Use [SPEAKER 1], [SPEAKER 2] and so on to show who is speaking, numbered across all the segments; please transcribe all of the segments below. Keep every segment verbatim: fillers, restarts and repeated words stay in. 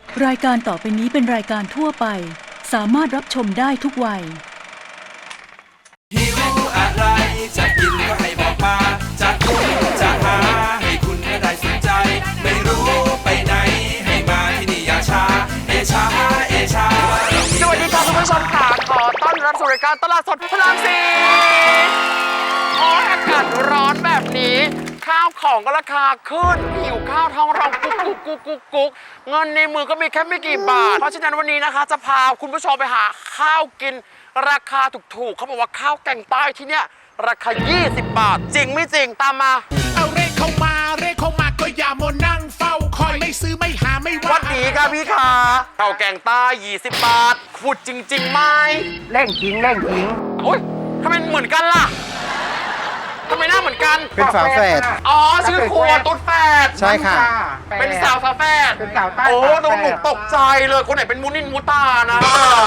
[SPEAKER 1] รายการต่อไปนี้เป็นรายการทั่วไปสามารถรับชมได้ทุกวัย
[SPEAKER 2] หิวอะไรจะกินก็ให้บอกมาจะคุยจะหาให้คุณก็ได้สนใจไม่รู้ไปไหนให้มาที่นี่อย่าช้าเอชาเอชา
[SPEAKER 3] สวัสดีค่ะคุณผู้ชมค่ะขอต้อนรับสู่รายการตลาดสดพลังสีโอ้อากาศร้อนแบบนี้ข้าวของก็ราคาขึ้นหิวข้าวท้องร้องกุ๊กกุ๊กกุ๊กกุ๊กกุ๊กเงินในมือก็มีแค่ไม่กี่บาทเพราะฉะนั้นวันนี้นะคะจะพาคุณผู้ชมไปหาข้าวกินราคาถูกๆเขาบอกว่าข้าวแกงใต้ที่เนี่ยราคายี่สิบบาทจริงไม่จริงตามมา
[SPEAKER 4] เอาเร่เข้ามาเร่เข้ามาก็อย่ามัวนั่งเฝ้าคอยไม่ซื้อไม่หาไม่ว่า
[SPEAKER 3] วัดดีค่ะพี่ขาข้าวแกงใต้ยี่สิบบาทพูดจริงๆไหม
[SPEAKER 5] เร่งจริงเร่งจริง
[SPEAKER 3] โอ๊ยทำไมเหมือนกันล่ะทำไมหน้าเหมือนกัน
[SPEAKER 5] เป็นฝาแฝด
[SPEAKER 3] อ๋อชื่อครัวตุ๊ดแฝด
[SPEAKER 5] ใช่ค่ะ
[SPEAKER 3] เป็นสาวฝาแฝด
[SPEAKER 5] เป็นสาวใต้
[SPEAKER 3] โอ้ตรงหนูตกใจเลยคนไหนเป็นมูนินมูตานะ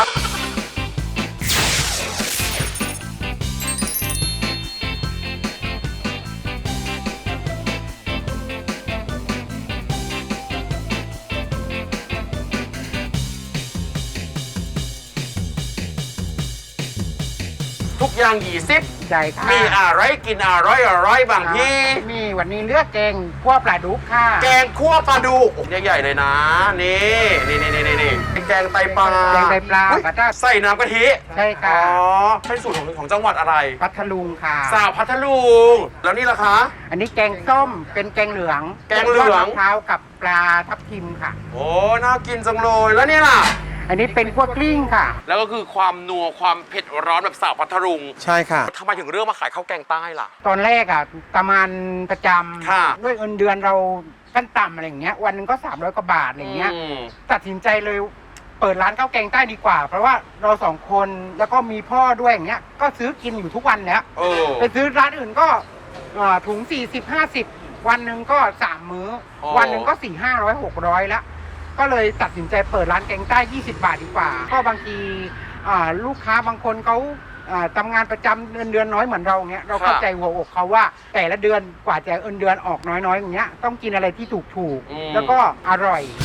[SPEAKER 3] ทุกอย่างยี่สิบ
[SPEAKER 5] ใช่ค่ะ
[SPEAKER 3] มีอะไรกินอร่อยอร่อยบางที่
[SPEAKER 5] มีวันนี้เลือกแกงคั่วปลาดุกค่ะ
[SPEAKER 3] แกงคั่วปลาดุกใหญ่ๆเลยนะนี่นี่นี่นี่นี่แกงไตปลา
[SPEAKER 5] แกงไตปลา
[SPEAKER 3] ใส่น้ำกะทิ
[SPEAKER 5] ใช่ค่ะ
[SPEAKER 3] อ๋อเป็นสูตรของของจังหวัดอะไร
[SPEAKER 5] พัทลุงค่ะ
[SPEAKER 3] สาวพัทลุงแล้วนี่ล่ะคะ
[SPEAKER 5] อันนี้แกงส้มเป็นแกงเหลือง
[SPEAKER 3] แกงเหลือง
[SPEAKER 5] มะพร้าวกับปลาทับทิมค่ะ
[SPEAKER 3] โอ้น่ากินจังเลยแล้วนี่ล่ะ
[SPEAKER 5] อันนี้เป็นคั่วกลิ้งค่ะ
[SPEAKER 3] แล้วก็คือความนัวความเผ็ดร้อนแบบสาวพัทลุง
[SPEAKER 5] ใช่ค่ะ
[SPEAKER 3] ทำไมถึงเรื่องมาขายข้าวแกงใต้ล่ะ
[SPEAKER 5] ตอนแรกอ่ะประมาณประจำด้วยเงินเดือนเราขั้นต่ำอะไรอย่างเงี้ยวันนึงก็สามร้อยกว่าบาทอะไรเงี้ยตัดสินใจเลยเปิดร้านข้าวแกงใต้ดีกว่าเพราะว่าเราสองคนแล้วก็มีพ่อด้วยอย่างเงี้ยก็ซื้อกินอยู่ทุกวันแล้วไปซื้อร้านอื่นก็ถุงสี่สิบห้าสิบวันหนึ่งก็สามมื้อวันหนึ่งก็สี่ห้าร้อยหกร้อยแล้วก็เลยตัดสินใจเปิดร้านแกงใต้ยี่สิบบาทดีกว่าก็บางทีลูกค้าบางคนเขาทำงานประจำเงินเดือนน้อยเหมือนเราเงี้ยเราเข้าใจหัวอกเขาว่าแต่ละเดือนกว่าจะเงินเดือนออกน้อยๆอย่างเงี้ยต้องกินอะไรที่ถูกๆแล้วก็อร่อย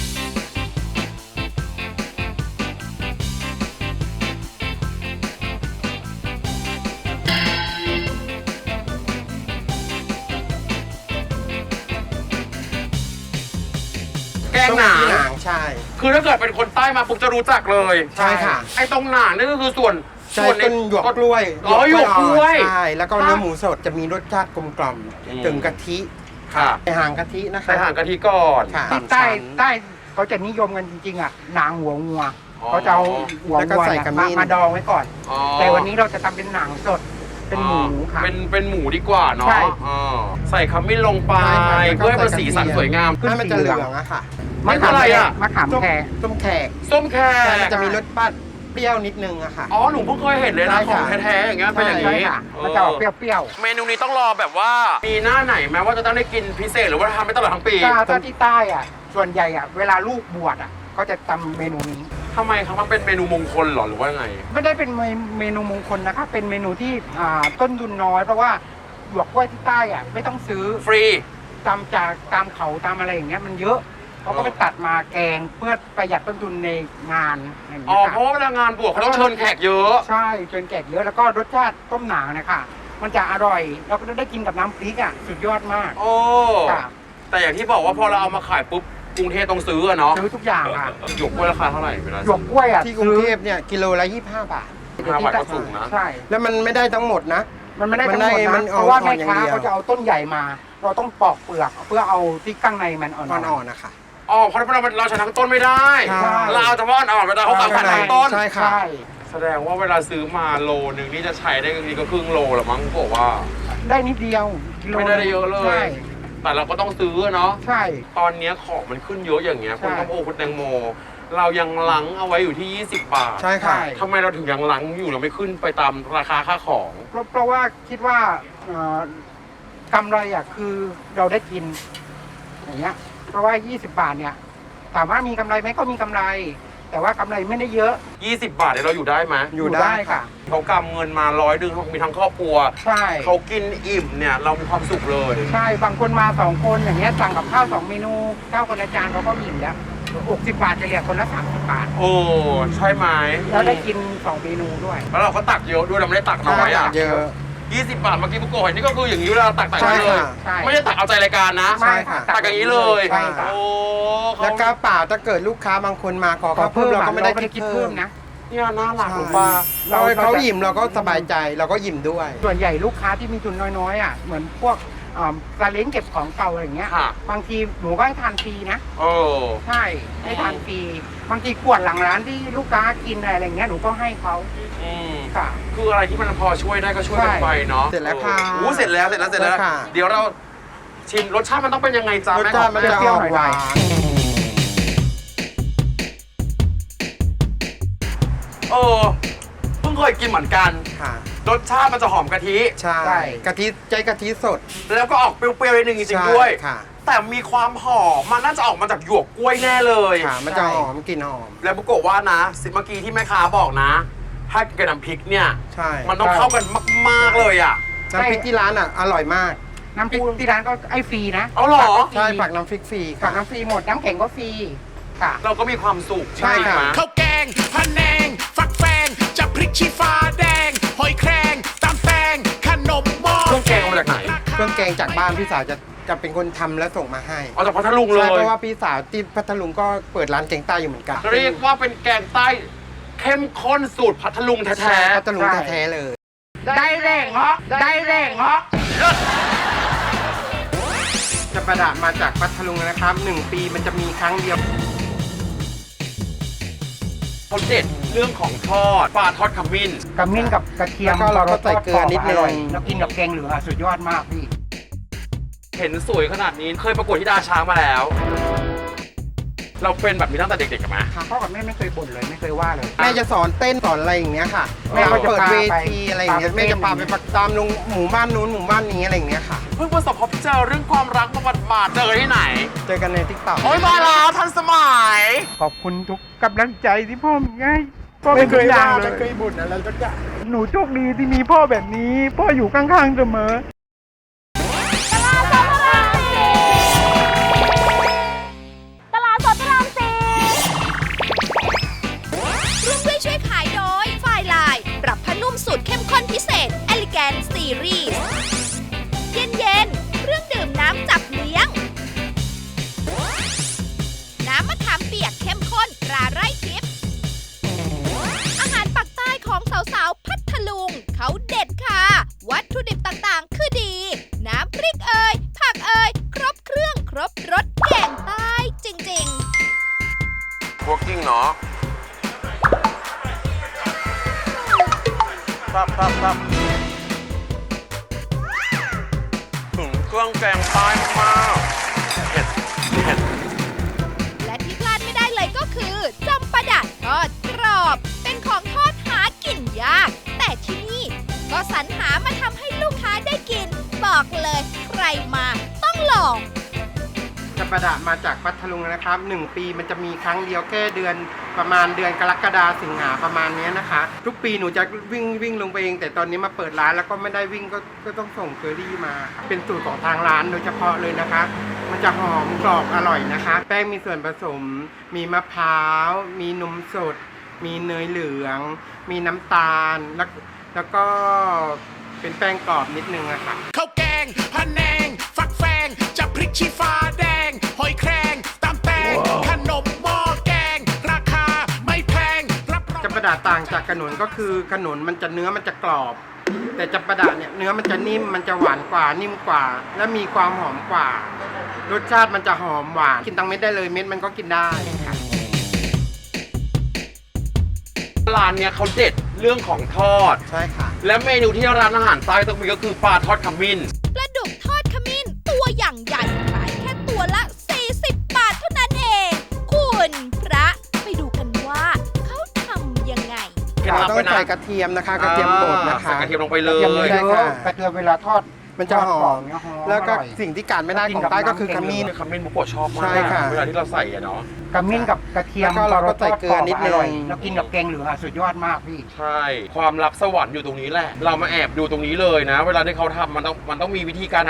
[SPEAKER 3] แกงหนาง
[SPEAKER 5] ใช่
[SPEAKER 3] คือถ้าเกิดเป็นคนใต้มาปุ๊บจะรู้จักเลย
[SPEAKER 5] ใช่ค่ะ
[SPEAKER 3] ไอ้ตรงหนางนี่ก็คือส่วน
[SPEAKER 5] ส่วนต้นหยวกกล้วย
[SPEAKER 3] อ๋อหยวกกล้วย
[SPEAKER 5] ใช่แล้วก็เนื้อหมูสดจะมีรสชาติกลมกล่อมถึงกะทิ
[SPEAKER 3] ค่ะ
[SPEAKER 5] ใส่หางกะทินะคะ
[SPEAKER 3] ใส่หางกะทิก่อน
[SPEAKER 5] ที่ใต้ใต้เขาจะนิยมกันจริงๆอ่ะหนังหัวงัวเขาจะเอาหัวงัวมาดองไว้ก่อนแต่วันนี้เราจะทำเป็นหนังสดเป็นหมูค่ะ
[SPEAKER 3] เป็นเป็นหมูดีกว่าเนาะใส่ขมิ้นลงไปเพื่อให้มันสีสันสวยงาม
[SPEAKER 5] ให้มันจะเหลืองอะค่ะ
[SPEAKER 3] มันอะไรอ่ะ
[SPEAKER 5] มะขามแขกส้มแขก
[SPEAKER 3] ส้มแขก
[SPEAKER 5] มันจะมีรสปัดเปรี้ยวนิดนึงอะค่ะ
[SPEAKER 3] อ๋อหนูเพิ่งเคยเห็นเลยนะของแท้ๆอย่างเงี้ยเป็นอย่างนี้
[SPEAKER 5] มันจะออกเปรี้ยว
[SPEAKER 3] ๆเมนูนี้ต้องรอแบบว่ามีหน้าไหนไหมว่าจะต้องได้กินพิเศษหรือว่าทำไปตลอดทั้งปี
[SPEAKER 5] ถ้าที่ใต้อ่ะส่วนใหญ่อ่ะเวลาลูกบวชอ่ะก็จะทำเมนูนี้
[SPEAKER 3] ทำไมครับมันเป็นเมนูมงคลหรอหรือว่าไง
[SPEAKER 5] ไม่ได้เป็นเมนูมงคลนะคะเป็นเมนูที่ต้นทุนน้อยเพราะว่าหยวกกล้วยที่ใต้อ่ะไม่ต้องซื้อ
[SPEAKER 3] ฟรี
[SPEAKER 5] ตามจากตามเขาตามอะไรอย่างเงี้ยมันเยอะเขาก็ไปตัดมาแกงเพื่อประหยัดต้นทุนในงานอย่าง
[SPEAKER 3] นี้อ๋อเพราะว่าเวลางานบวชเขาต้องเชิญแขกเยอะ
[SPEAKER 5] ใช่เชิญแขกเยอะแล้วก็รสชาติต้มหนางนะคะมันจะอร่อยแล้วก็ได้กินกับน้ำพริกอ่ะสุดยอดมาก
[SPEAKER 3] โอ้แต่อย่างที่บอกว่าพอเราเอามาขายปุ๊บกรุงเทพต้องซื้อเนาะ
[SPEAKER 5] ซื้อทุกอย่างค่ะ
[SPEAKER 3] หยวกกล้วยราคาเท่าไหร่เวลา
[SPEAKER 5] หยวกกล้วยอ่ะ
[SPEAKER 6] ที่กรุงเทพเนี่ยกิโลละยี่สิบห้าบาท
[SPEAKER 3] ห้าบาทก็สูงนะ
[SPEAKER 5] ใช่
[SPEAKER 6] แล้วมันไม่ได้ทั้งหมดนะ
[SPEAKER 5] มันไม่ได้ทั้งหมดนะเพราะว่าแม่ค้าเขาจะเอาต้นใหญ่มาเราต้องปอกเปลือกเพื่อเอาที่ข้างในมันอ่
[SPEAKER 6] อนๆนะคะ
[SPEAKER 3] อ๋อเพราะเราเราใช้ทั้งต้นไม่ได้เราเอาเฉพาะอ่อนเวลาเขาสั่งทั้งต้น
[SPEAKER 6] ใช่ค่ะ
[SPEAKER 3] แสดงว่าเวลาซื้อมาโลนึงนี่จะใช้ได้ทีก็ครึ่งโลละมั้งบอกว่า
[SPEAKER 5] ได้นิดเดียว
[SPEAKER 3] ไม่ได้เยอะเลยแต่เราก็ต้องซื้อเนาะ
[SPEAKER 5] ใช่
[SPEAKER 3] ตอนนี้ของมันขึ้นเยอะอย่างเงี้ยคุณต้มโอคุณแตงโมเรายังลังเอาไว้อยู่ที่ยี่สิบบาท
[SPEAKER 6] ใช่ค่ะ
[SPEAKER 3] ทำไมเราถึงยังลังอยู่เราไม่ขึ้นไปตามราคาค่าของ
[SPEAKER 5] เพราะว่าคิดว่ากำไรอ่ะคือเราได้กินอย่างเงี้ยเพราะว่ายี่สิบบาทเนี่ยถามว่ามีกำไรไหมก็มีกำไรแต่ว่ากำไรไม่ได้เยอะ
[SPEAKER 3] ยี่สิบบาทเนี่ยเราอยู่ได้ไหม
[SPEAKER 5] อยู่ได้ค่ะ
[SPEAKER 3] เขากำเงินมาร้อยดึงเขามีทั้งครอบครัว
[SPEAKER 5] ใช่
[SPEAKER 3] เขากินอิ่มเนี่ยเรามีความสุขเลย
[SPEAKER 5] ใช่บางคนมาสองคนอย่างเงี้ยสั่งกับข้าวสองเมนูข้าวคนละจานเขาก็อิ่มแล้วหกสิบบาทจะเหลือคนละสามสิบบาท
[SPEAKER 3] โอ้ใช่ไหม
[SPEAKER 5] แล้วได้กินสองเมนูด้วย
[SPEAKER 3] แล้วเราก็ตักเยอะด้วยเราไม่ได้ตักน้อยอ่ะ
[SPEAKER 6] เยอะ
[SPEAKER 3] ยี่สิบบาทเมื่อกี้ปุ๊กโกะเห็นนี่ก็คืออย่างนี้เวลาตักตัก
[SPEAKER 6] ใช่
[SPEAKER 3] ไว้เลย
[SPEAKER 6] ค่ะ
[SPEAKER 5] ใช่
[SPEAKER 3] ไม่ได้ตักเอาใจรายการนะ
[SPEAKER 6] ใช่ค่ะ
[SPEAKER 3] ตักอย่างนี้เลย
[SPEAKER 5] ใช่ค่ะ
[SPEAKER 3] โอ้เขา
[SPEAKER 6] แล้วก็เปล่าถ้าเกิดลูกค้าบางคนมาขอ
[SPEAKER 5] ขอ
[SPEAKER 6] ข้าวเพิ่
[SPEAKER 5] เพิ่
[SPEAKER 6] ม
[SPEAKER 5] ม
[SPEAKER 6] เราก็ไม่ได้
[SPEAKER 5] เรา
[SPEAKER 6] คิด
[SPEAKER 5] เพิ่
[SPEAKER 6] เพิ่
[SPEAKER 5] ม
[SPEAKER 6] ม
[SPEAKER 5] นะ
[SPEAKER 3] เนี่ยน่ารัก
[SPEAKER 6] ใช่
[SPEAKER 3] หรือเปล่า
[SPEAKER 6] เราเขาอิ่มเราก็สบายใจเราก็อิ่มด้วย
[SPEAKER 5] ส่วนใหญ่ลูกค้าที่มีทุนน้อยๆอ่ะเหมือนพวกอ่าซาเล้งเก็บของเก่าอะไรอย่างเงี้ย
[SPEAKER 3] ค่ะ
[SPEAKER 5] บางทีหนูก็ให้ทานฟรีนะ
[SPEAKER 3] โอ้
[SPEAKER 5] ใช่ให้ทานฟรีบางทีขวดหลังร้านที่ลูกค้ากินอะไรอย่างเงี้ยหนูก็ให้เขา
[SPEAKER 3] อืม
[SPEAKER 5] ค่ะ
[SPEAKER 3] คืออะไรที่มันพอช่วยได้ก็ช่วยกัน
[SPEAKER 5] ใช่
[SPEAKER 3] ไปเนาะ
[SPEAKER 6] เสร็จแล้วค่ะ
[SPEAKER 3] โอ้เสร็จแล้วเสร็จแล้วเสร็จแล้ว
[SPEAKER 6] ค่ะ
[SPEAKER 3] เดี๋ยวเราชิมรสชาติมันต้องเป็นยังไงจ้าร
[SPEAKER 6] ส
[SPEAKER 3] แม่
[SPEAKER 6] ชาติมันจะ
[SPEAKER 5] เปรี้
[SPEAKER 6] อ
[SPEAKER 5] ยว
[SPEAKER 6] อก
[SPEAKER 5] หน่อย
[SPEAKER 6] หวาน
[SPEAKER 3] เออเพิ่งเคยกินเหมือนกัน
[SPEAKER 6] ค่ะ
[SPEAKER 3] รสชาติมันจะหอมกะทิ
[SPEAKER 6] ใช่
[SPEAKER 5] ใช่
[SPEAKER 6] กะทิใจกะทิสด
[SPEAKER 3] แล้วก็ออกเปรี้ยวๆนิดนึงจริง
[SPEAKER 6] ใช่
[SPEAKER 3] ๆด้วย
[SPEAKER 6] ค่ะ
[SPEAKER 3] แต่มีความหอมมันน่าจะออกมาจากหยวกกล้วยแน่เลย
[SPEAKER 6] ค่ะ มันจะหอมกลิ่นหอม
[SPEAKER 3] แล้วบุกโกะว่านะสิเมื่อกี้ที่แม่ค้าบอกนะ ถ้ากับน้ำพริกเนี่ย
[SPEAKER 6] ใช่
[SPEAKER 3] มันต้องเข้ากันมากๆเลยอ่ะ
[SPEAKER 6] น้ำพริกที่ร้านอ่ะอร่อยมาก
[SPEAKER 5] น้ำพริกที่ร้านก็ไอ้ฟรีนะ
[SPEAKER 3] เอาเหรอ
[SPEAKER 6] ใช่ผักน้ำพริกฟรี
[SPEAKER 5] ผั
[SPEAKER 6] ค่ะ
[SPEAKER 5] กน้ำฟรีหมดน้ำแข็งก็ฟรีค่ะ
[SPEAKER 3] เราก็มีความสุข
[SPEAKER 6] ใช่ค่ะ
[SPEAKER 3] ไหม
[SPEAKER 4] ข้าวแกงพะแนง ฟักแฟงจะพริกชี้ฟ้าแดง หอยแครงตำแตงขนมหม้อ
[SPEAKER 3] เครื่องแกงเอามาจากไหน
[SPEAKER 6] เครื่องแกงจากบ้านพี่สาวจะจะเป็นคนทำและส่งมาให้
[SPEAKER 3] เอาจากพัทลุงเล
[SPEAKER 6] ใช่
[SPEAKER 3] ย
[SPEAKER 6] เพราะว่าพี่สาวที่พัทลุงก็เปิดร้านแกงใต้อยู่เหมือนกัน
[SPEAKER 3] เรียกว่าเป็นแกงใต้เข้มข้นสูตรพัทลุง
[SPEAKER 6] ใช่
[SPEAKER 3] แท้
[SPEAKER 6] พัทลุงแท้ๆเลย
[SPEAKER 5] ได้แรงเหรอได้แรงเหรอ
[SPEAKER 6] จะประดับมาจากพัทลุงนะครับหนึ่งปีมันจะมีครั้งเดียว
[SPEAKER 3] ๆเขาเด็ดเรื่องของทอดปลาทอดขมิ้น
[SPEAKER 5] กระมิ้นกับกระเทียม
[SPEAKER 6] แล้วก็เราก็ใส่เกลือนิดนึง
[SPEAKER 5] ร่ยแล้วกินกับแกงเหลืองอะสุดยอดมากพี่
[SPEAKER 3] เห็นสวยขนาดนี้เคยประกวดที่ดาช้างมาแล้ว เราเป็นแบบนี้ตั้งแต่เด็กๆกันไหม
[SPEAKER 5] พ่อกับแม่ไม่เคยบ่นเลยไม่เคยว่าเลย
[SPEAKER 6] แม่จะสอนเต้นสอนอะไรอย่างเงี้ยค่ะ
[SPEAKER 5] แม่ก็จะ
[SPEAKER 6] เปิด
[SPEAKER 5] พา
[SPEAKER 6] เว
[SPEAKER 5] ไป
[SPEAKER 6] ทีอะไรอย่างเงี้ย
[SPEAKER 5] พาไป
[SPEAKER 6] แม่จะพาไป
[SPEAKER 5] เต้น
[SPEAKER 6] ประตามลงหมู่บ้านนู้นหมู่บ้านนี้อะไรอย่างเงี้ยค่ะ
[SPEAKER 3] เพิ่งประสบพบเจอเรื่องความรักมาบาดๆเจอที่ไหน
[SPEAKER 6] เจอกันในทิกตอก
[SPEAKER 3] โอ้ยมาแล้วทันสมัย
[SPEAKER 5] ขอบคุณทุกกำลังใจที่พ่อมีให้พ่อเป็นทุกอย่างเลย
[SPEAKER 6] ไม่เคยบ่นอะไรสักอย่าง
[SPEAKER 5] หนูโชคดีที่มีพ่อแบบนี้ พ่ออยู่ข้างๆเสมอ
[SPEAKER 7] ตลาดสดพระรามสี่ร่วมด้วยช่วยขายโดยฝ่ายลาย ปรับผ้านุ่มสูตรเข้มข้นพิเศษ Elegant Series เย็นเย็นๆเครื่องดื่มน้ำจับเลี้ยง น้ำมะขามเปียกเข้มข้นตราไร่ทิพย์อาหารปักใต้ของสาวๆ พัทลุง เขาเด็ดค่ะ วัตถุดิบต่างๆ คือดี น้ำพริกเอ่ย ผักเอ่ย ครบเครื่องครบรสแกงใต้จริงๆ
[SPEAKER 3] พวกกิ้งเนาะครับครับครับถึงเครื่องแกงใต้มากเผ็ดเผ็ด
[SPEAKER 7] และที่พลาดไม่ได้เลยก็คือจำปาดะทอดกรอบ เป็นของทอดหากินยาก แต่ที่นี่ก็สรรหามาทำให้ลูกค้าได้กิน บอกเลยใครมาต้องลอง
[SPEAKER 6] จะประดับมาจากพัทลุงนะครับหนึ่งปีมันจะมีครั้งเดียวแค่เดือนประมาณเดือนกรกฎาสิงหาประมาณเนี้ยนะคะ ทุกปีหนูจะวิ่งวิ่งลงไปเอง แต่ตอนนี้มาเปิดร้านแล้วก็ไม่ได้วิ่งก็ก็ต้องส่งเคอรี่มา เป็นสูตรของทางร้านโดยเฉพาะเลยนะคะ มันจะหอมกรอบอร่อยนะคะ แป้งมีส่วนผสม มีมะพร้าว มีนมสด มีเนยเหลือง มีน้ำตาลแล้วแล้วก็เป็นแป้งกรอบนิดนึงอะค่ะ
[SPEAKER 4] ข้าวแกงพะแนง ฟักแฟงจะพริกชี้ฟ้าแดง หอยแครงตำแตงขนมหม้อแกง ราคาไม่แพงรับรอง
[SPEAKER 6] จะประดาต่างจากขนุนก็คือขนุนมันจะเนื้อมันจะกรอบ แต่จะประดาเนี่ยเนื้อมันจะนิ่มมันจะหวานกว่านิ่มกว่า และมีความหอมกว่า รสชาติมันจะหอมหวานกินทั้งเม็ดได้เลยเม็ดมันก็กินได้ค่ะ
[SPEAKER 3] ร้านเนี้ยเขาเด็ดเรื่องของทอด
[SPEAKER 6] ใช่ค่ะ
[SPEAKER 3] และเมนูที่ร้านอาหารใต้ต้องมีก็คือปลาทอดขมิ้น
[SPEAKER 7] ปลาดุกทอดขมิ้นตัวอย่างใหญ่ขายแค่ตัวละ สี่สิบบาทเท่านั้นเอง คุณพระไปดูกันว่าเขาทำยังไง
[SPEAKER 3] เคล็ดลับ
[SPEAKER 6] ต้อ
[SPEAKER 3] ไป
[SPEAKER 6] ง
[SPEAKER 3] นะ
[SPEAKER 6] ใส่กระเทียมนะคะ กระเทียมบดนะคะ
[SPEAKER 3] ใส่กระเทียมลงไปเล
[SPEAKER 5] กระเทียม
[SPEAKER 3] ย
[SPEAKER 5] เย
[SPEAKER 6] ใช่
[SPEAKER 5] อะ
[SPEAKER 6] ค่ะ
[SPEAKER 5] กระเทียมเวลาทอด
[SPEAKER 6] มันจะหอม
[SPEAKER 5] ทดกรบเนี่ยหอม
[SPEAKER 6] แล้วก็
[SPEAKER 5] อร่อย
[SPEAKER 6] สิ่งที่การไม่ได้ของใต้ก็คือขมิ้น
[SPEAKER 3] ขมิ้นบุกโกะชอบมาก
[SPEAKER 6] ใช่ค่ะ
[SPEAKER 3] เวลาที่เราใส่อะเนาะ
[SPEAKER 5] กระมิ้นกับกระเทียม
[SPEAKER 6] แล้วก็เราก็ใส่เกลือนิดนึง
[SPEAKER 5] ร่อยแล้วกินกับแกงเหลืองอะสุดยอดมากพี่
[SPEAKER 3] ใช่ ความลับสวรรค์อยู่ตรงนี้แหละ เรามาแอบดูตรงนี้เลยนะ เวลาที่เขาทำมันต้องมันต้องมีวิธีการท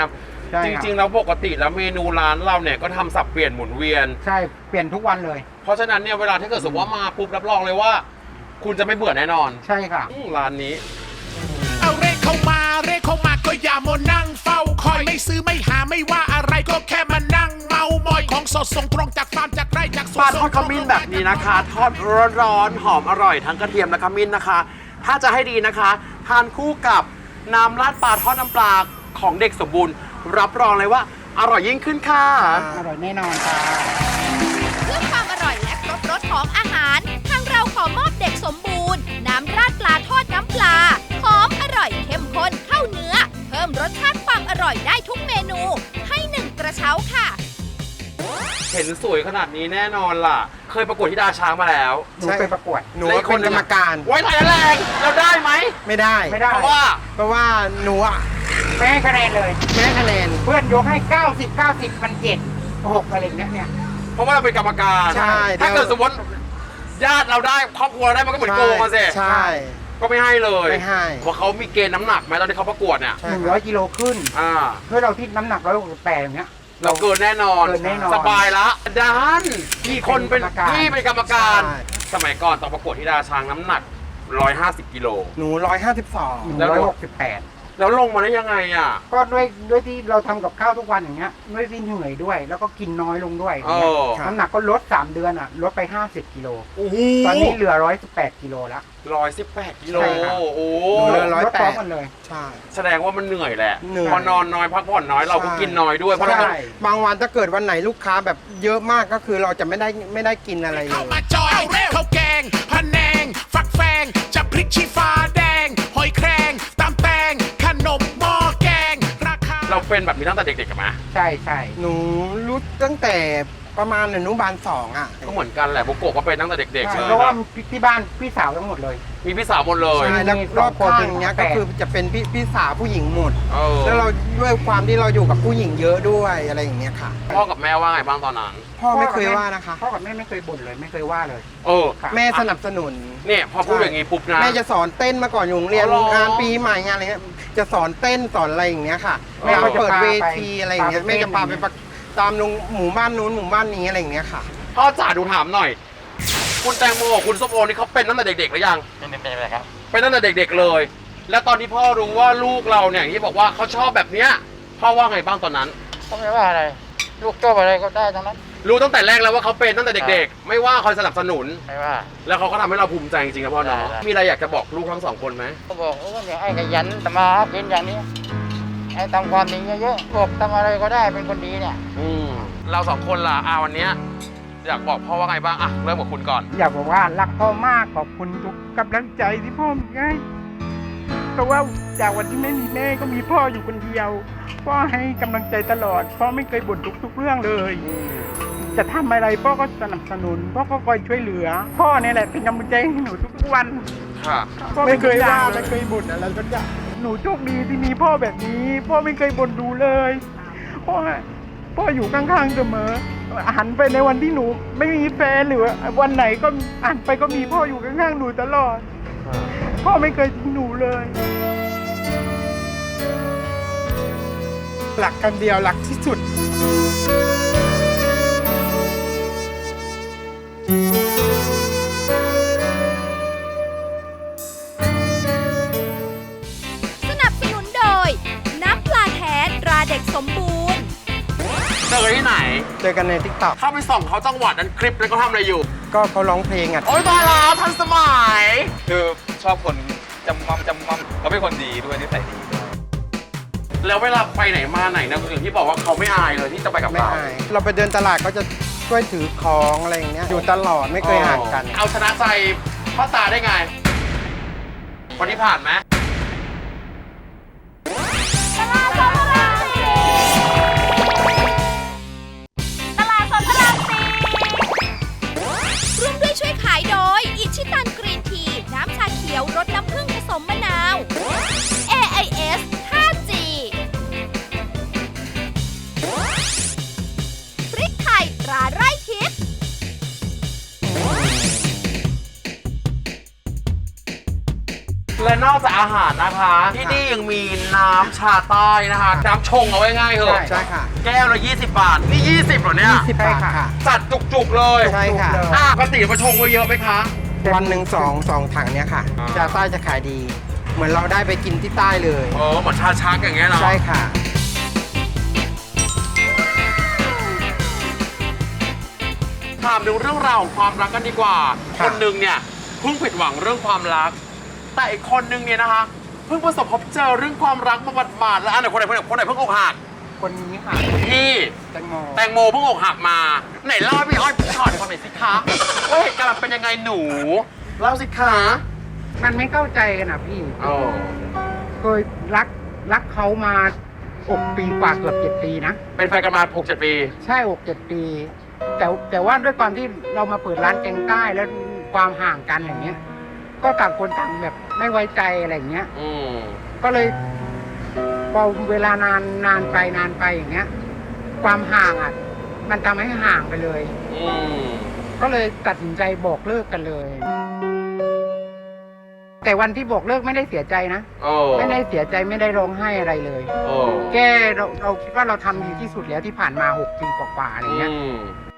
[SPEAKER 5] ใช่
[SPEAKER 3] จ
[SPEAKER 5] ครับ
[SPEAKER 3] ริงๆแล้วปกติแล้วเมนูร้านเราเนี่ยก็ทำสับเปลี่ยนหมุนเวียน
[SPEAKER 5] ใช่เปลี่ยนทุกวันเลย
[SPEAKER 3] เพราะฉะนั้นเนี่ยเวลาถ้าเกิดสมมติว่ามาปุ๊บรับรองเลยว่า คุณจะไม่เบื่อแน่นอน
[SPEAKER 5] ใช่ค่ะ
[SPEAKER 3] อืมร้านนี้
[SPEAKER 4] เอาเรขเข้ามาเรขเข้ามาก็อย่ามัวนั่งเฝ้าคอยไม่ซื้อไม่หาไม่ว่าอะไรก็แค่มานั่งเมามอยของสดส่งตรงจากฟาร์มจากไร่จากสวน
[SPEAKER 3] ปลาทอดขมิ้นแบบนี้นะคะ ทอดร้อนๆหอมอร่อยทั้งกระเทียมและขมิ้นนะคะ ถ้าจะให้ดีนะคะ ทานคู่กับน้ำราดปลาทอดน้ำปลาของเด็กสมบูรณ์ รับรองเลยว่าอร่อยยิ่งขึ้นค่ะ
[SPEAKER 5] อร่อยแน่นอนค่ะ
[SPEAKER 7] เพื่อความอร่อยและครบรสของอาหาร ทางเราขอมอบเด็กสมบูรณ์ น้ำราดปลาทอดน้ำปลา หอมอร่อยเข้มข้นเข้าเนื้อ เพิ่มรสชาติความอร่อยได้ทุกเมนู ให้หนึ่งกระเช้าค่ะ
[SPEAKER 3] เห็นสวยขนาดนี้แน่นอนล่ะ เคยประกวดที่ดาช้างมาแล้ว
[SPEAKER 5] หนูไปประกวด
[SPEAKER 6] หนูว่าเป็นกรรมการ
[SPEAKER 3] ไว้ไทยแรงเราได้ไหม
[SPEAKER 6] ไม่ได้
[SPEAKER 5] ไม่ได้
[SPEAKER 3] เพราะว่า
[SPEAKER 6] เพราะว่าหนูอะ
[SPEAKER 5] ไม่ให้คะแนนเลย
[SPEAKER 6] แม่คะแนน
[SPEAKER 5] เพื่อนยกให้ เก้าสิบ เก้าสิบมันเจ็ดหกอะไรอย่างเงี้ยเนี่ย
[SPEAKER 3] เพราะว่าเราเป็นกรรมการ
[SPEAKER 6] ใช่
[SPEAKER 3] ถ้าเกิดสมมติญาติเราได้ครอบครัวเราได้มันก็เหมือนโกงมาสิ
[SPEAKER 6] ใช่
[SPEAKER 3] ก็ไม่ให้เลย
[SPEAKER 6] ไม่ให้
[SPEAKER 3] เพราะเขามีเกณฑ์น้ำหนักไหมตอนที่เขาประกวดเนี่ย
[SPEAKER 6] ใช่
[SPEAKER 5] หนึ่ง
[SPEAKER 6] ค
[SPEAKER 5] ร้
[SPEAKER 6] รั
[SPEAKER 5] อบ ยกิโลขึ้น
[SPEAKER 3] อ่า
[SPEAKER 5] เพื่อเราที่น้ำหนักร้อยหกสิบแปดอย่างเงี้ย
[SPEAKER 3] เราเกินแน่นอน
[SPEAKER 5] เกินแน่นอน
[SPEAKER 3] สบายละดันพี่คนเป็น
[SPEAKER 5] เป็นกรรมการ
[SPEAKER 3] พี่เป็นกรรมการ
[SPEAKER 6] ใช่
[SPEAKER 3] สมัยก่อนตอนประกวดที่ดาช้างน้ำหนักหนึ่งร้อยห้าสิบกิโล
[SPEAKER 6] หนูร้อยห้าสิบสอง
[SPEAKER 5] หนึ่ง
[SPEAKER 3] แล้ว
[SPEAKER 5] ร้อยหกสิบแปด
[SPEAKER 3] แล้วลงมาได้ยังไงอ่ะ
[SPEAKER 5] ก็ด้วยด้วยที่เราทำกับข้าวทุกวันอย่างเงี้ยด้วยที่เหนื่อยด้วย แล้วก็กินน้อยลงด้วยอย่างเงี้ย
[SPEAKER 3] เออ
[SPEAKER 5] น้ำหนักก็ลดสามเดือนอ่ะลดไปห้าสิบกิโล
[SPEAKER 3] โอ้โห
[SPEAKER 5] ตอนนี้เหลือร้อยสิบแปดกิโลแล้ว
[SPEAKER 3] ร้อยสิบแปดกิโล
[SPEAKER 5] ใช่ครับ
[SPEAKER 3] โอ้โห
[SPEAKER 6] หนูเหลือร้อย
[SPEAKER 5] ลด
[SPEAKER 6] แป
[SPEAKER 5] พร้อ
[SPEAKER 6] ด
[SPEAKER 5] มกันเลย
[SPEAKER 6] ใช่
[SPEAKER 3] แสดงว่ามันเหนื่อยแหละ
[SPEAKER 6] เหนื่อย
[SPEAKER 3] พอนอนน้อยพักผ่อนน้อยเราก็
[SPEAKER 6] ใช่
[SPEAKER 3] กินน้อยด้วยเพราะเราต้อง
[SPEAKER 5] ใช่
[SPEAKER 6] บางวันถ้าเกิดวันไหนลูกค้าแบบเยอะมากก็คือเราจะไม่ได้ไม่ได้กินอะไรเล
[SPEAKER 4] เข้าย มาจอยเรขข้าวแกงพะแนง ฟักแฟงจะพริกชี้ฟ้าแดง หอยแครงตำแตงขนมหม้อแกง ราคา
[SPEAKER 3] เราเป็นแบบนี้ตั้งแต่เด็กๆกันไหม
[SPEAKER 5] ใช่ใช่
[SPEAKER 6] หนูรู้ตั้งแต่ประมาณอนุบาลสองอ่ะ
[SPEAKER 3] ก็เหมือนกันแหละบุโกะก็เป็นตั้งแต่เด็กๆ
[SPEAKER 5] ใช่
[SPEAKER 3] เลย
[SPEAKER 5] เพราะว่า
[SPEAKER 3] ครับ
[SPEAKER 5] ที่บ้านพี่สาวทั้งหมดเลย
[SPEAKER 3] มีพี่สาวหมดเลย
[SPEAKER 6] ใช่แล้ว
[SPEAKER 5] มี
[SPEAKER 6] รอบ
[SPEAKER 5] สองคน
[SPEAKER 6] ข้างอย่างเงี้ย
[SPEAKER 5] เป็น
[SPEAKER 6] ก็คือจะเป็นพี่พี่สาวผู้หญิงหมด
[SPEAKER 3] เออ
[SPEAKER 6] แล้วเราด้วยความที่เราอยู่กับผู้หญิงเยอะด้วยอะไรอย่างเงี้ยค่ะ
[SPEAKER 3] พ่อกับแม่ว่าไงบ้างตอนนั้น
[SPEAKER 6] พ่อไม่เคยว่านะคะ
[SPEAKER 5] พ่อกับแม่ไม่เคยบ่นเลยไม่เคยว่าเลย
[SPEAKER 3] เออ
[SPEAKER 5] ค่ะ
[SPEAKER 6] แม่สนับสนุน
[SPEAKER 3] เนี่ยพอพูดอย่างงี้ปุ๊บนะ
[SPEAKER 6] แม่จะสอนเต้นมาก่อนอยู่โรงเรียน
[SPEAKER 3] อ๋อเหรอง
[SPEAKER 6] านปีใหม่งานอะไรเงี้ยจะสอนเต้นสอนอะไรอย่างเงี้ยค่ะ
[SPEAKER 3] แม่
[SPEAKER 6] แม่
[SPEAKER 3] ก็
[SPEAKER 6] ก็
[SPEAKER 3] จะ
[SPEAKER 6] เปิด
[SPEAKER 5] พาไป
[SPEAKER 6] เวทีอะไรอย่างเงี้ย
[SPEAKER 5] พาไป
[SPEAKER 6] แม่จะพาไป
[SPEAKER 5] เต้น
[SPEAKER 6] ประตามโรงหมู่บ้านนู้นหมู่บ้านนี้อะไรอย่างเงี้ยค่ะ
[SPEAKER 3] พ่อจ๋าดูถามหน่อย คุณแตงโมกับคุณส้มโอนี่เขาเป็นตั้งแต่เด็กๆหรือยัง
[SPEAKER 8] เป็นเป็นอะไรครับ
[SPEAKER 3] เป็นตั้งแต่เด็กๆเลย แล้วตอนที่พ่อรู้ว่าลูกเราเนี่ยอย่างที่บอกว่าเขาชอบแบบเนี้ยพ่อว่าไงบ้างตอนนั้น
[SPEAKER 8] ก็ไม่ว่าอะไร ลูกชอบอะไรก็ได้ทั้งนั้น
[SPEAKER 3] รู้ตั้งแต่แรกแล้วว่าเขาเป็นตั้งแต่เด็กๆ ไม่ว่าคอยสนับสนุน
[SPEAKER 8] ไม่ว่า
[SPEAKER 3] แล้วเขาก็ทำให้เราภูมิใจจริงๆนะพ่อเนาะ
[SPEAKER 8] ได้
[SPEAKER 3] มีอะไรอยากจะบอกลูกทั้งสองคนไหม
[SPEAKER 8] ก็บอกว่าเนี่ยไอ้ขยันทำมาหากินอย่างนี้ ไอ้ทำความดีเยอะๆบอกทำอะไรก็ได้เป็นคนดีเนี่ย
[SPEAKER 3] อืมเราสองคนล่ะอาวันเนี้ยอยากบอกพ่อว่าไงบ้างอะเริ่มกับคุณก่อน
[SPEAKER 5] อยากบอกว่ารักพ่อมากขอบคุณทุกกำลังใจที่พ่อมีให้เพราะว่าจากวันที่ไม่มีแม่ก็มีพ่ออยู่คนเดียว พ่อให้กำลังใจตลอด พ่อไม่เคยบ่นทุกทุกๆเรื่องเลย จะทำอะไรพ่อก็สนับสนุน พ่อก็คอยช่วยเหลือ พ่อเนี่ยแหละเป็นกำลังใจให้หนูทุกๆวัน
[SPEAKER 3] ค่ะ
[SPEAKER 5] พ่อ
[SPEAKER 6] ไม่เคยว่า
[SPEAKER 5] ไม่เคยบ่นอะไรสักอย่างหนูโชคดีที่มีพ่อแบบนี้ พ่อไม่เคยบ่นดูเลยพ่อพ่ออยู่ข้างๆเสมอหันไปในวันที่หนูไม่มีแฟนหรือว่าวันไหนก็หันไปก็มีพ่ออยู่ข้างๆหนูตลอด พ่อไม่เคยทิ้งหนูเลย หลักกันเดียวหลักที่สุด
[SPEAKER 7] สนับสนุนโดย น้ำปลาแท้ตราเด็กสมบูรณ์
[SPEAKER 3] เจอที่ไหน
[SPEAKER 6] เจอกันในทิกตอก
[SPEAKER 3] เข้าไปส่องเขาจังหวัดนั้นคลิปนั้นเขาทำอะไรอยู่
[SPEAKER 6] ก็เขาร้องเพลงอ่ะ
[SPEAKER 3] โอ๊ยตายแล้วทันสมัย
[SPEAKER 9] คือชอบคนจำมั่มจำมั่มเขาเป็นคนดีด้วยนิสัยดีด้วย
[SPEAKER 3] แล้วเวลาไปไหนมาไหนนะอย่างที่บอกว่าเขาไม่อายเลยที่จะไปกับ
[SPEAKER 6] ไม่
[SPEAKER 3] เรา
[SPEAKER 6] อายเราไปเดินตลาดก็จะช่วยถือของอะไรอย่างเงี้ยอยู่ตลอดไม่เคยห่างกัน
[SPEAKER 3] เอาชนะใจพ่อตาได้ไงวันที่ผ่านไหม
[SPEAKER 7] ตลาดสดพระรามสี่ร่วมด้วยช่วยขายโดย อิชิตันกรีนที น้ำชาเขียวรสน้ำผึ้งผสมมะนาว เอ ไอ เอส ไฟว์จี พริกไทยตราไร่ทิพย์
[SPEAKER 3] แและนอกจากอาหารนะคะ ที่นี่ยังมีน้ำชาใต้นะคะ น้ำชงเอาไว้ง่ายเหอะ
[SPEAKER 6] ใช่ค่ะ
[SPEAKER 3] แก้วละยี่สิบบาท นี่ยี่สิบเหรอเนี่ย
[SPEAKER 6] สิบบาทค่ะ
[SPEAKER 3] จัดจุกๆเลย
[SPEAKER 6] ใช่ค่ะ
[SPEAKER 3] อ่ะปกติมาชงไว้เยอะไหมคะ
[SPEAKER 6] วันหนึ่งสองสองถังเนี้ยค่ะ
[SPEAKER 3] อ่า
[SPEAKER 6] ชาใต้จะขายดี เหมือนเราได้ไปกินที่ใต้เลย
[SPEAKER 3] เออเหมือนชาชักอย่างเงี้ยเนาะ
[SPEAKER 6] ใช่ค่ะ
[SPEAKER 3] ถามถึงเรื่องราวของความรักกันดีกว่า
[SPEAKER 6] ครั
[SPEAKER 3] ค
[SPEAKER 6] บ
[SPEAKER 3] นหนึ่งเนี่ยเพิ่งผิดหวังเรื่องความรัก แต่อีกคนหนึ่งเนี่ยนะคะ เพิ่งประสบพบเจอเรื่องความรักมาบาดๆแล้วอันไหนคนไหนคนไหนคนไหนเพิ่งอกหัก
[SPEAKER 5] คนนี้ค่ะ
[SPEAKER 3] พี่
[SPEAKER 5] แตงโม
[SPEAKER 3] แตงโมเพิ่งอกหักมา ไหนเล่าให้พี่อ้อยพี่ชอตฟังหน่อยสิคะว่าเหตุการณ์มันเป็นยังไงหนูเล่าสิคะ
[SPEAKER 5] มันไม่เข้าใจกันนะพี่
[SPEAKER 3] โอ้
[SPEAKER 5] เคยรักรักเขามาอกปีกว่าเกือบเจ็ดปีนะ
[SPEAKER 3] เป็นแฟนกันมาหกเจ็ดปี
[SPEAKER 5] ใช่อกเจ็ดปี แต่แต่ว่าด้วยความที่เรามาเปิดร้านแกงใต้แล้วความห่างกันอย่างเงี้ย ก็ต่างคนต่างแบบไม่ไว้ใจอะไรอย่างเงี้ย
[SPEAKER 3] อืม
[SPEAKER 5] ก็เลยพอเวลานานนานไปนานไปอย่างเงี้ย ความห่างอ่ะ มันทำให้ห่างไปเลย
[SPEAKER 3] อืม
[SPEAKER 5] ก็เลยตัดสินใจบอกเลิกกันเลย แต่วันที่บอกเลิกไม่ได้เสียใจนะ
[SPEAKER 3] โอ้
[SPEAKER 5] ไม่ได้เสียใจไม่ได้ร้องไห้อะไรเลย
[SPEAKER 3] โอ้
[SPEAKER 5] แค่เราเราคิดว่าเราทำดีที่สุดแล้วที่ผ่านมาหกปีกว่าๆอะไรเงี้ย
[SPEAKER 3] อืม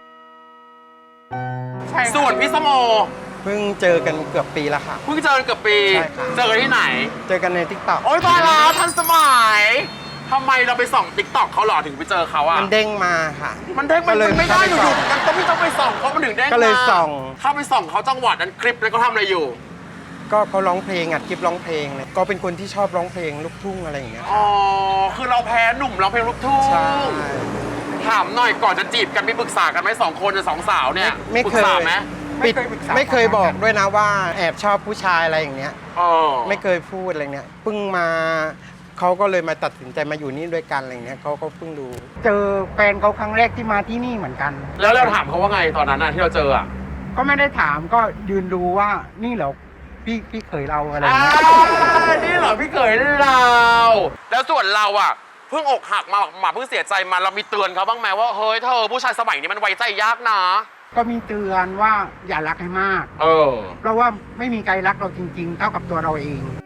[SPEAKER 5] ใช่
[SPEAKER 3] ส่วนพี่สมโอ
[SPEAKER 6] เพิ่งเจอกันเกือบปีแล้วค่ะ
[SPEAKER 3] เพิ่งเจอกันเกือบปี
[SPEAKER 6] ใช่ครับ
[SPEAKER 3] เจอกันที่ไหน
[SPEAKER 6] เจอกันในทิกตอก
[SPEAKER 3] โอ๊ยตายแล้วทันสมัยทำไมเราไปส่องติ๊กต็อกเขาหรอถึงไปเจอเขาอะ
[SPEAKER 6] มันเด้งมาค่ะ
[SPEAKER 3] มันเด้งมัน
[SPEAKER 6] ก็เลย
[SPEAKER 3] ไม่ได้อยู่
[SPEAKER 6] เข้าไปส่อง
[SPEAKER 3] ๆมันต้องไม่ต้องไปส่องเขามันถึงเด้ง
[SPEAKER 6] ก็เลย
[SPEAKER 3] มา
[SPEAKER 6] ส่อง
[SPEAKER 3] เข้าไปส่องเขาจังหวัดนั้นคลิปนั้นเขาทำอะไรอยู่
[SPEAKER 6] ก็เขาร้องเพลงอัดคลิปร้องเพลงเลยก็เป็นคนที่ชอบร้องเพลงลูกทุ่งอะไรอย่างเงี้ย
[SPEAKER 3] อ๋อ คือเราแพ้หนุ่มร้องเพลงลูกทุ่ง
[SPEAKER 6] ใช่
[SPEAKER 3] ถามหน่อยก่อนจะจีบกันมีปรึกษากันไหมสองคนหรือสองสาวเนี่ย
[SPEAKER 6] ไม่
[SPEAKER 3] ปรึ
[SPEAKER 6] เค
[SPEAKER 3] ก
[SPEAKER 6] ย
[SPEAKER 3] ษาไหม
[SPEAKER 6] ปิดไม่เคยบอกด้วยนะว่าแอบชอบผู้ชายอะไรอย่างเงี้ย
[SPEAKER 3] อ๋อ
[SPEAKER 6] ไม่เคยพูดอะไรเงี้ยเพิ่งมาเขาก็เลยมาตัดสินใจมาอยู่นี่ด้วยกันอะไรเงี้ยเขาก็เพิ่งดู
[SPEAKER 5] เจอแฟนเขาครั้งแรกที่มาที่นี่เหมือนกัน
[SPEAKER 3] แล้วเราถามเขาว่าไงตอนนั้นน่ะที่เราเจออะ
[SPEAKER 5] ก็ไม่ได้ถามก็ยืนดูว่านี่เหรอพี่พี่เคยเราอะไร
[SPEAKER 3] อ่า
[SPEAKER 5] เงี้ย
[SPEAKER 3] นี่เหรอพี่เขยเรา แล้วส่วนเราอะเพิ่งอกหักมาหมาเพิ่งเสียใจมาเรามีเตือนเขาบ้างไหมว่าเฮ้ยเธอผู้ชายสมัยนี้มันไว้ใจยากนะ
[SPEAKER 5] ก็มีเตือนว่าอย่ารักให้มาก
[SPEAKER 3] เออ
[SPEAKER 5] เพราะว่าไม่มีใครรักเราจริง ๆ เท่ากับตัวเราเอง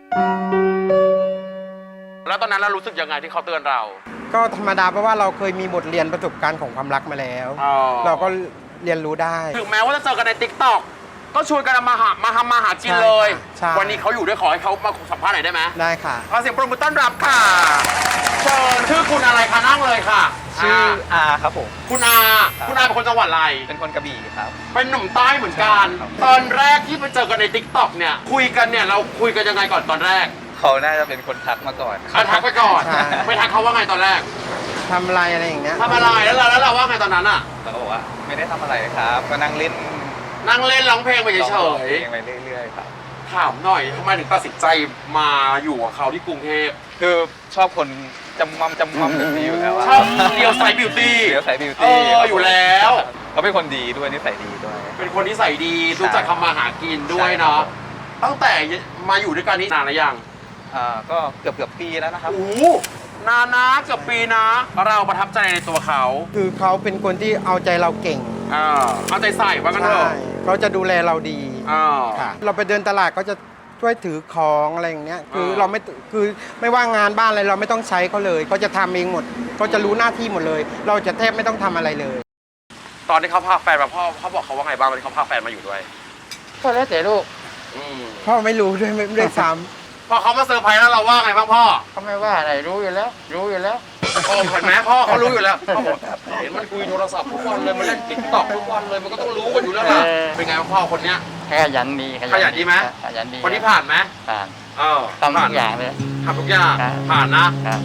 [SPEAKER 3] แล้วตอนนั้นเรารู้สึกยังไงที่เขาเตือนเรา
[SPEAKER 6] ก็ธรรมดาเพราะว่าเราเคยมีบทเรียนประสบการณ์ของความรักมาแล้ว
[SPEAKER 3] อ๋อ
[SPEAKER 6] เราก็เรียนรู้ได้
[SPEAKER 3] ถึงแม้ว่าจะเจอกันในติ๊กต็อกก็ชวนกันมาหามาทำมาหากินเลย
[SPEAKER 6] ใช่
[SPEAKER 3] วันนี้เขาอยู่ด้วยขอให้เขามาสัมภาษณ์หน่อยได้ไหม
[SPEAKER 6] ได้ค่ะ
[SPEAKER 3] ขอเสียงปรบมือต้อนรับค่ะเชิญชื่อคุณอะไรคะนั่งเลยค่ะ
[SPEAKER 9] ชื่ออาครับผม
[SPEAKER 3] คุณอาคุณอาเป็นคนจังหวัดอะไร
[SPEAKER 9] เป็นคนกระบี่ครับ
[SPEAKER 3] เป็นหนุ่มใต้เหมือนกัน
[SPEAKER 9] ครับ
[SPEAKER 3] ตอนแรกที่ไปเจอกันในติ๊กต็อกเนี่ยคุยกันเนี่ยเราคุยกันยังไงก่อนตอนแรก
[SPEAKER 9] เขาน่าจะเป็นคนทักมาก่อน
[SPEAKER 3] เอาทักไปก่อน
[SPEAKER 6] ใช่
[SPEAKER 3] ไปทักเขาว่าไงตอนแรก
[SPEAKER 6] ทำอะไรอะไรอย่างเงี้ย
[SPEAKER 3] ทำอะไรแล้วเราแล้วเราว่าไงตอนนั้นอะ
[SPEAKER 9] เขาก็บอกว่าไม่ได้ทำอะไรครับ ก็นั่งเล่น
[SPEAKER 3] นั่งเล่นร้องเพลงไปเฉ
[SPEAKER 9] ร้อง
[SPEAKER 3] ย
[SPEAKER 9] เพลงไปเรื่อยๆครับ
[SPEAKER 3] ๆถามหน่อยทำไมถึงตัดสินใจมาอยู่กับเขาที่กรุงเทพ
[SPEAKER 9] คือชอบคนจำมัมจำมัมแบบนี้อยู่แล้วะ
[SPEAKER 3] ชอบเลียวไซส์บิวตี้
[SPEAKER 9] เดี๋ยวใส่บิว
[SPEAKER 3] เอ
[SPEAKER 9] ตี้
[SPEAKER 3] ออยู่แล้ว
[SPEAKER 9] เขาเป็นคนดีด้วยนิสัยดีด้วย
[SPEAKER 3] เป็นคนที่ใส่ดีรู้จักทำมาหากินด้วยเนาะตั้งแต่มาอยู่ด้วยกันนี่นานหรือยัง
[SPEAKER 9] อ่าก็เกือบเกือบปีแล้วนะครับ
[SPEAKER 3] โอ้โหนานนะเกือบปีนะ เราประทับใจในตัวเขา
[SPEAKER 6] คือเขาเป็นคนที่เอาใจเราเก่ง
[SPEAKER 3] อ่าเอาใจใส่ว่ากันเถ
[SPEAKER 6] ใช่
[SPEAKER 3] อะ
[SPEAKER 6] เขาจะดูแลเราดี
[SPEAKER 3] อ่า
[SPEAKER 6] ค่ะ เราไปเดินตลาดก็จะช่วยถือของอะไรอย่างเงี้ย คือ
[SPEAKER 3] อ่า
[SPEAKER 6] เราไม่คือไม่ว่างานบ้านอะไรเราไม่ต้องใช้เขาเลยเขาจะทำเองหมดเขาจะรู้หน้าที่หมดเลย เราจะแทบไม่ต้องทำอะไรเลย
[SPEAKER 3] ตอนที่เขาพาแฟนมาพ่อเขาบอกเขาว่าไงบ้างตอนที่เขาพาแฟนมาอยู่ด้วย
[SPEAKER 5] ก็แล้วแต่ลูก
[SPEAKER 3] อืม
[SPEAKER 6] พ่อไม่รู้ด้วยไม่ไม่ได้ซ้
[SPEAKER 3] พอเขามาเซอร์ไพรส์แล้วเราว่าไงบ้างพ่อ
[SPEAKER 5] เขาไม่ว่าอะไรรู้อยู่แล้ว รู้อยู่แล้ว
[SPEAKER 3] โอ้เห็นไหมพ่อเขารู้อยู่แล้วพ่อบอกเห็นมันคุยโทรศัพท์ทุกวันเลยมันเล่นติ๊กต็อกทุกวันเลยมันก็ต้องรู้กันอยู่แล้วล่ะ
[SPEAKER 5] เออ
[SPEAKER 3] เป็นไงบ้างพ่อคนเนี้ย
[SPEAKER 8] ขยันดี
[SPEAKER 3] ขยันดีไหม
[SPEAKER 8] ขยันดี
[SPEAKER 3] คนที่ผ่านไหม
[SPEAKER 8] ผ่าน
[SPEAKER 3] เออ
[SPEAKER 8] ทำทุกอย่างเลย
[SPEAKER 3] ทำทุกอย่าง
[SPEAKER 8] ครับ
[SPEAKER 3] ผ่านนะ
[SPEAKER 8] ครับ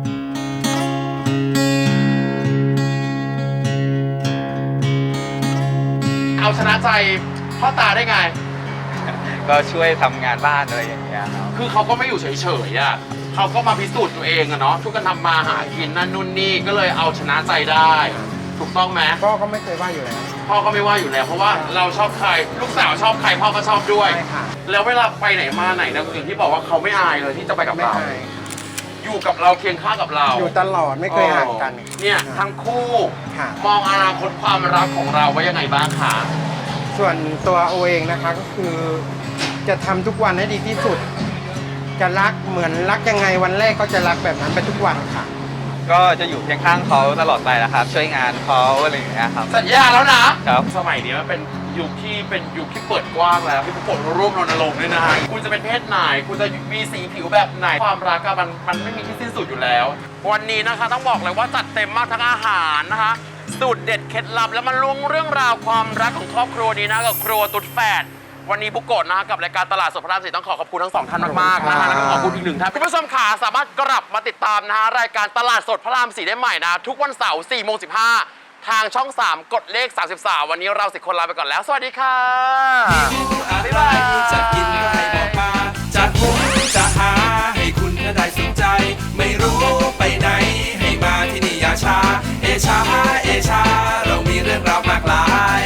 [SPEAKER 3] เอาชนะใจพ่อตาได้ไง
[SPEAKER 9] ก็ช่วยทำงานบ้านอะไรอย่างเงี้ยครับ
[SPEAKER 3] คือเขาก็ไม่อยู่เฉยๆอ่ะเขาก็มาพิสูจน์ตัวเองอะเนาะช่วยกันทำมาหากินนั่นนู่นนี่ก็เลยเอาชนะใจได้ ถูกต้องไหม
[SPEAKER 6] ำพ่อก็ไม่เคยว่าอยู่แล้ว
[SPEAKER 3] พ่อก็ไม่ว่าอยู่แล้วเพราะว่าเราชอบใครลูกสาวชอบใครพ่อก็ชอบด้วย
[SPEAKER 6] ใช่ค่ะ
[SPEAKER 3] แล้วเวลาไปไหนมาไหนนะอย่างที่บอกว่าเขาไม่อายเลยที่จะไปกับ
[SPEAKER 6] ไม่
[SPEAKER 3] เรา
[SPEAKER 6] เคย
[SPEAKER 3] อยู่กับเราเคียงข้างกับเรา
[SPEAKER 6] อยู่ตลอดไม่เคยห่างกัน
[SPEAKER 3] เนี่ยทั้งคู่
[SPEAKER 6] ค่ะ
[SPEAKER 3] มองอนาคตความรักของเราไว้ยังไงบ้างคะ
[SPEAKER 6] ส่วนตัวโอเองนะคะก็คือ จะทำทุกวันให้ดีที่สุดจะรักเหมือนรักยังไงวันแรกก็จะรักแบบนั้นไปทุกวันค่ะ
[SPEAKER 9] ก็จะอยู่เคียงข้างเขาตลอดไปนะครับ ช่วยงานเขาอะไรอย่างเงี้ยครับ
[SPEAKER 3] สัญญาแล้วนะครับ สมัยนี้มันเป็นยุคที่เป็นยุคที่เปิดกว้างแล้วพี่ปุ๊กโกะร่วมรณรงค์ด้วยนะฮะคุณจะเป็นเพศไหนคุณจะมีสีผิวแบบไหนความรักอะมันมันไม่มีที่สิ้นสุดอยู่แล้ว วันนี้นะคะต้องบอกเลยว่าจัดเต็มมากทั้งอาหารนะคะสูตรเด็ดเคล็ดลับแล้วมันลวงเรื่องราวความรักของครอบครัวนี้นะกับครัวตุ๊ดแฝดวันนี้ปุ๊กโกะนะกับรายการตลาดสดพระรามสี่ต้องขอขอบคุณทั้งสองท่านมากๆนะฮะแล้วก็ขอบคุณอีกหนึ่งท่านคุณผู้ชมขาสามารถกลับมาติดตามนะฮะรายการตลาดสดพระรามสี่ได้ใหม่นะทุกวันเสาร์สี่โมงสิบห้าทางช่องสามกดเลขสามสิบสามวันนี้เราสิบคนลาไปก่อนแล้วสวัสดีค่ะ
[SPEAKER 2] อะไรจะกินก็ให้บอกมาจะหุงจะหาให้คุณได้สนใจ ไม่รู้ไปไหนให้มาที่นี่อย่าช้าเอชาเอชาเรามีเรื่องราวมากมาย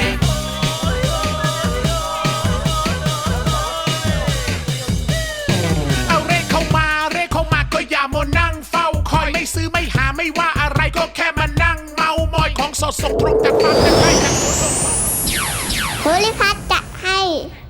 [SPEAKER 4] เอาเรขเข้ามาเรขเข้ามาก็อย่ามัวนั่งเฝ้าคอยไม่ซื้อไม่หาไม่ว่าอะไรก็แค่มานั่งเมามอยของสดส่งตรงจากฟาร์มจากไร่จากสวน
[SPEAKER 10] ภูริพัฒน์จะให้